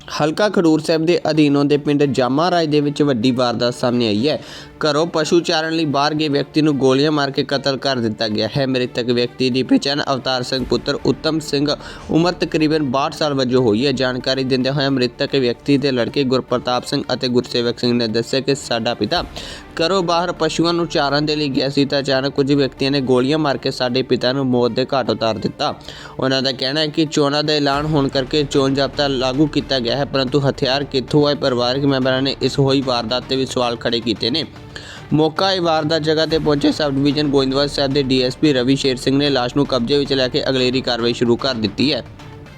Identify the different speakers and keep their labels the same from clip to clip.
Speaker 1: ਹਲਕਾ ਖਡੂਰ ਸਾਹਿਬ ਦੇ ਅਧੀਨ ਆਉਂਦੇ ਪਿੰਡ ਜਾਮਾ ਰਾਜ ਦੇ ਵਿੱਚ ਵੱਡੀ ਵਾਰਦਾਤ ਸਾਹਮਣੇ ਆਈ ਹੈ। ਘਰੋਂ ਪਸ਼ੂ ਚਾਰਨ ਲਈ ਬਾਹਰ ਗਏ ਵਿਅਕਤੀ ਨੂੰ ਗੋਲੀਆਂ ਮਾਰ ਕੇ ਕਤਲ ਕਰ ਦਿੱਤਾ ਗਿਆ ਹੈ। ਮ੍ਰਿਤਕ ਵਿਅਕਤੀ ਦੀ ਪਛਾਣ ਅਵਤਾਰ ਸਿੰਘ ਪੁੱਤਰ ਉੱਤਮ ਸਿੰਘ ਉਮਰ ਤਕਰੀਬਨ 62 ਸਾਲ ਵਜੋਂ ਹੋਈ ਹੈ। ਜਾਣਕਾਰੀ ਦਿੰਦੇ ਹੋਏ ਮ੍ਰਿਤਕ ਵਿਅਕਤੀ ਦੇ ਲੜਕੇ ਗੁਰਪ੍ਰਤਾਪ ਸਿੰਘ ਅਤੇ ਗੁਰਸੇਵਕ ਸਿੰਘ ਨੇ ਦੱਸਿਆ ਕਿ ਸਾਡਾ ਪਿਤਾ ਘਰੋਂ ਬਾਹਰ ਪਸ਼ੂਆਂ ਨੂੰ ਚਾਰਨ ਦੇ ਲਈ ਗਿਆ ਸੀ ਤਾਂ ਅਚਾਨਕ ਕੁਝ ਵਿਅਕਤੀਆਂ ਨੇ ਗੋਲੀਆਂ ਮਾਰ ਕੇ ਸਾਡੇ ਪਿਤਾ ਨੂੰ ਮੌਤ ਦੇ ਘਾਟ ਉਤਾਰ ਦਿੱਤਾ। ਉਹਨਾਂ ਦਾ ਕਹਿਣਾ ਹੈ ਕਿ ਚੋਣਾਂ ਦਾ ਐਲਾਨ ਹੋਣ ਕਰਕੇ ਚੋਣ ਜ਼ਾਬਤਾ ਲਾਗੂ ਕੀਤਾ ਗਿਆ ਹੈ, ਪਰੰਤੂ ਹਥਿਆਰ ਕਿੱਥੋਂ ਆਏ? ਪਰਿਵਾਰਕ ਮੈਂਬਰਾਂ ਨੇ ਇਸ ਹੋਈ ਵਾਰਦਾਤ ਤੇ ਵੀ ਸਵਾਲ ਖੜੇ ਕੀਤੇ ਨੇ। ਮੌਕਾ ਇਹ ਵਾਰਦਾਤ ਜਗ੍ਹਾ ਤੇ ਪਹੁੰਚੇ ਸਬ ਡਿਵੀਜ਼ਨ ਗੋਇੰਦਵਾਲ ਸਾਹਿਬ ਦੇ ਡੀਐਸਪੀ ਰਵੀ ਸ਼ੇਰ ਸਿੰਘ ਨੇ ਲਾਸ਼ ਨੂੰ ਕਬਜ਼ੇ ਵਿੱਚ ਲੈ ਕੇ ਅਗਲੇਰੀ ਕਾਰਵਾਈ ਸ਼ੁਰੂ ਕਰ ਦਿੱਤੀ ਹੈ।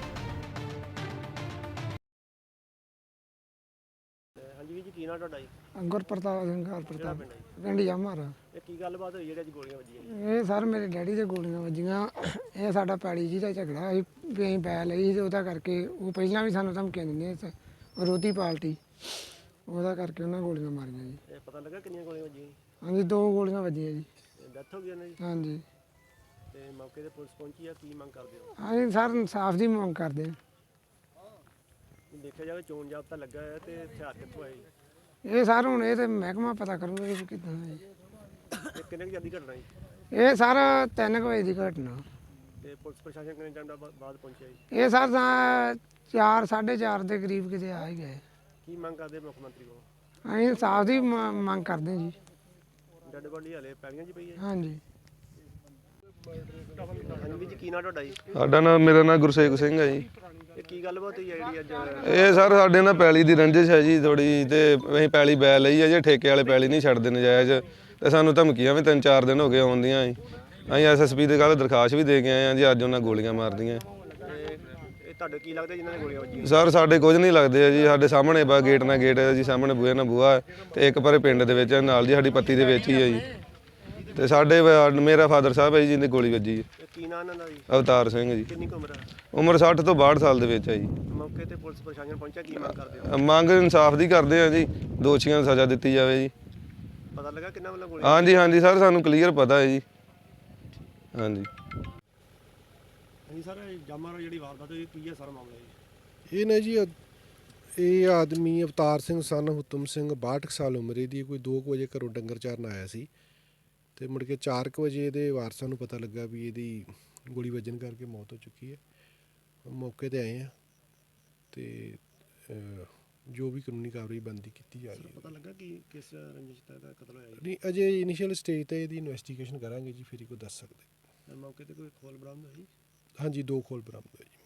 Speaker 2: ਹਾਂਜੀ ਵੀਰ ਜੀ, ਕੀ ਨਾਂ ਤੁਹਾਡਾ ਜੀ?
Speaker 3: ਗੁਰਪ੍ਰਤਾਪ ਸਿੰਘ ਗੁਰਪ੍ਰਤਾਪ ਪਿੰਡ ਜਾਮਾਰਾ।
Speaker 2: ਇਹ ਕੀ ਗੱਲਬਾਤ ਹੋਈ ਜਿਹੜੀ ਅੱਜ ਗੋਲੀਆਂ ਵੱਜੀਆਂ?
Speaker 3: ਇਹ ਸਰ ਮੇਰੇ ਡੈਡੀ ਦੇ ਗੋਲੀਆਂ ਵੱਜੀਆਂ। ਇਹ ਸਾਡਾ ਪੈਲੀ ਜੀ ਦਾ ਝਗੜਾ ਸੀ ਵੀ ਅਸੀਂ ਪੈ ਲਈ ਤੇ ਉਹਦਾ ਕਰਕੇ ਉਹ ਪਹਿਲਾਂ ਵੀ ਸਾਨੂੰ ਧਮਕੀਆਂ ਦਿੰਦੇ ਸੀ, ਵਿਰੋਧੀ ਪਾਰਟੀ, ਉਹਦਾ ਕਰਕੇ ਉਹਨਾਂ ਗੋਲੀਆਂ ਮਾਰੀਆਂ ਜੀ।
Speaker 2: ਇਹ ਪਤਾ ਲੱਗਾ ਕਿੰਨੀਆਂ ਗੋਲੀਆਂ ਵੱਜੀਆਂ?
Speaker 3: ਹਾਂਜੀ 2 ਗੋਲੀਆਂ ਵੱਜੀਆਂ ਜੀ।
Speaker 2: ਡੈਥ ਹੋ ਗਈ ਉਹਨਾਂ ਦੀ?
Speaker 3: ਹਾਂਜੀ।
Speaker 2: ਤੇ ਮੌਕੇ ਤੇ ਪੁਲਿਸ ਪਹੁੰਚੀ ਆ, ਕੀ ਮੰਗ ਕਰਦੇ ਹੋ?
Speaker 3: ਅਸੀਂ ਸਰ ਇਨਸਾਫ ਦੀ ਮੰਗ ਕਰਦੇ ਹਾਂ।
Speaker 2: ਦੇਖਿਆ ਜਾਵੇ ਚੋਣ ਜ਼ਾਬਤਾ ਲੱਗਾ ਹੈ ਤੇ ਹਥਿਆਰ ਕਿੱਥੋਂ ਆਏ?
Speaker 3: ਇਹ ਸਰ ਹੁਣ ਇਹ ਤੇ ਮਹਿਕਮਾ ਪਤਾ ਕਰੂਗਾ ਕਿ ਕਿੱਦਾਂ ਹੈ ਜੀ।
Speaker 2: ਇਹ ਕਿੰਨੇ ਕੁ ਜਲਦੀ ਘਟਨਾ ਜੀ?
Speaker 3: ਇਹ ਸਰ 3 ਵਜੇ ਦੀ ਘਟਨਾ।
Speaker 2: ਤੇ ਪੁਲਿਸ ਪ੍ਰਸ਼ਾਸਨ ਕਿੰਨੇ ਟਾਈਮ ਬਾਅਦ ਪਹੁੰਚਿਆ ਜੀ?
Speaker 3: ਇਹ ਸਰ 4 4:30 ਦੇ ਕਰੀਬ ਕਿਤੇ ਆ ਹੀ ਗਏ।
Speaker 2: ਕੀ ਮੰਗ ਕਰਦੇ ਮੁੱਖ ਮੰਤਰੀ ਕੋਲ?
Speaker 3: ਅਸੀਂ ਇਨਸਾਫ ਦੀ ਮੰਗ ਕਰਦੇ ਜੀ।
Speaker 2: ਡੈਡ ਬਾਡੀ ਹਲੇ ਪੈਲੀਆਂ 'ਚ ਪਈ ਹੈ?
Speaker 3: ਹਾਂਜੀ।
Speaker 2: ਹਾਂਜੀ ਵੀਰ ਜੀ, ਕੀ ਨਾਂ ਤੁਹਾਡਾ ਜੀ?
Speaker 4: ਮੇਰਾ ਨਾਮ ਗੁਰਸੇਵਕ ਸਿੰਘ ਹੈ ਜੀ।
Speaker 2: ਇਹ ਕੀ ਗੱਲਬਾਤ ਹੋਈ ਹੈ ਜਿਹੜੀ ਅੱਜ?
Speaker 4: ਇਹ ਸਰ ਸਾਡੇ ਨਾਲ ਪੈਲੀ ਦੀ ਰੰਜਿਸ਼ ਹੈ ਜੀ ਥੋੜੀ, ਤੇ ਅਸੀਂ ਪੈਲੀ ਬੈ ਲਈ ਹੈ ਜੀ। ਠੇਕੇ ਵਾਲੇ ਪੈਲੀ ਨਹੀਂ ਛੱਡਦੇ ਨਜਾਇਜ਼, ਤੇ ਸਾਨੂੰ ਧਮਕੀਆਂ ਵੀ 3-4 ਦਿਨ ਹੋ ਗਏ ਆਉਂਦੀਆਂ ਜੀ। ਅਸੀਂ ਐਸਐਸਪੀ ਦੇ ਕੱਲ੍ਹ ਦਰਖਾਸਤ ਵੀ ਦੇ ਕੇ ਆਏ ਹਾਂ ਜੀ। ਅੱਜ ਉਹਨਾਂ ਗੋਲੀਆਂ ਮਾਰਦੀਆਂ।
Speaker 2: ਇਹ ਤੁਹਾਡੇ ਕੀ ਲੱਗਦਾ ਜਿਨ੍ਹਾਂ ਨੇ ਗੋਲੀਆਂ ਵੱਜੀਆਂ?
Speaker 4: ਸਰ ਸਾਡੇ ਕੁਝ ਨਹੀਂ ਲੱਗਦੇ ਆ ਜੀ। ਸਾਡੇ ਸਾਹਮਣੇ ਬਾ ਗੇਟ ਨਾਲ ਗੇਟ ਹੈ ਜੀ, ਸਾਹਮਣੇ ਬੂਹੇ ਨਾਲ ਬੂਹਾ ਹੈ, ਤੇ ਇੱਕ ਪਰੇ ਪਿੰਡ ਦੇ ਵਿੱਚ ਨਾਲ ਜੀ ਸਾਡੀ ਪੱਤੀ ਦੇ ਵਿੱਚ ਹੀ ਹੈ ਜੀ। ਤੇ ਸਾਡੇ ਮੇਰਾ ਫਾਦਰ ਸਾਹਿਬ ਹੈ ਜੀ ਜਿਹਦੀ ਗੋਲੀ ਵੱਜੀ ਹੈ।
Speaker 2: ਕੀ ਨਾਂ ਇਹਨਾਂ ਦਾ ਜੀ?
Speaker 4: ਅਵਤਾਰ ਸਿੰਘ ਜੀ।
Speaker 2: ਕਿੰਨੀ ਕੁ ਉਮਰ ਹੈ?
Speaker 4: ਉਮਰ 60 ਤੋਂ 62 ਸਾਲ ਦੇ ਵਿੱਚ ਹੈ ਜੀ।
Speaker 2: ਮੌਕੇ ਤੇ ਪੁਲਿਸ ਪ੍ਰਸ਼ਾਸਨ ਪਹੁੰਚਿਆ, ਕੀ ਮੰਗ ਕਰਦੇ ਹੋ?
Speaker 4: ਮੰਗ ਇਨਸਾਫ ਦੀ ਕਰਦੇ ਆ ਜੀ, ਦੋਸ਼ੀਆਂ ਨੂੰ ਸਜ਼ਾ ਦਿੱਤੀ ਜਾਵੇ ਜੀ।
Speaker 2: ਪਤਾ ਲੱਗਾ ਕਿੰਨਾ ਵੱਲੋਂ ਗੋਲੀ?
Speaker 4: ਹਾਂਜੀ ਹਾਂਜੀ ਸਰ, ਸਾਨੂੰ ਕਲੀਅਰ ਪਤਾ ਹੈ ਜੀ। ਹਾਂਜੀ
Speaker 2: ਹਾਂਜੀ ਸਰ, ਜਾਮਾ ਜਿਹੜੀ ਵਾਰਦਾਤ ਹੋਈ ਕੀ ਹੈ ਸਰ ਮਾਮਲਾ ਜੀ?
Speaker 5: ਇਹ ਨਾ ਜੀ ਇਹ ਆਦਮੀ ਅਵਤਾਰ ਸਿੰਘ ਸਨ ਹੁਤਮ ਸਿੰਘ 62 ਸਾਲ ਉਮਰ ਦੀ, ਕੋਈ 2 ਵਜੇ ਘਰੋਂ ਡੰਗਰ ਚਾਰਨ ਆਇਆ ਸੀ, ਤੇ ਮੁੜ ਕੇ 4 ਵਜੇ ਇਹਦੇ ਵਾਰਸਾਂ ਨੂੰ ਪਤਾ ਲੱਗਾ ਵੀ ਇਹਦੀ ਗੋਲੀ ਵੱਜਣ ਕਰਕੇ ਮੌਤ ਹੋ ਚੁੱਕੀ ਹੈ। ਮੌਕੇ ਤੇ ਆਏ ਆ ਤੇ ਜੋ ਵੀ ਕਾਨੂੰਨੀ ਕਾਰਵਾਈ ਬਣਦੀ ਕੀਤੀ ਜਾ ਰਹੀ ਹੈ।
Speaker 2: ਪਤਾ ਲੱਗਾ ਕਿ ਕਿਸ ਰੰਜਿਸ਼ ਦਾ ਕਤਲ ਹੋਇਆ ਜੀ?
Speaker 5: ਨਹੀਂ, ਅਜੇ ਇਨੀਸ਼ੀਅਲ ਸਟੇਜ ਤੇ ਇਹਦੀ ਇਨਵੈਸਟੀਗੇਸ਼ਨ ਕਰਾਂਗੇ ਜੀ, ਫਿਰ ਹੀ ਕੋਈ ਦੱਸ ਸਕਦੇ।
Speaker 2: ਮੌਕੇ ਤੇ ਕੋਈ ਖੋਲ ਬਰਾਮਦ ਹੋਈ?
Speaker 5: ਹਾਂਜੀ 2 ਖੋਲ ਬਰਾਮਦ ਹੋਏ ਜੀ।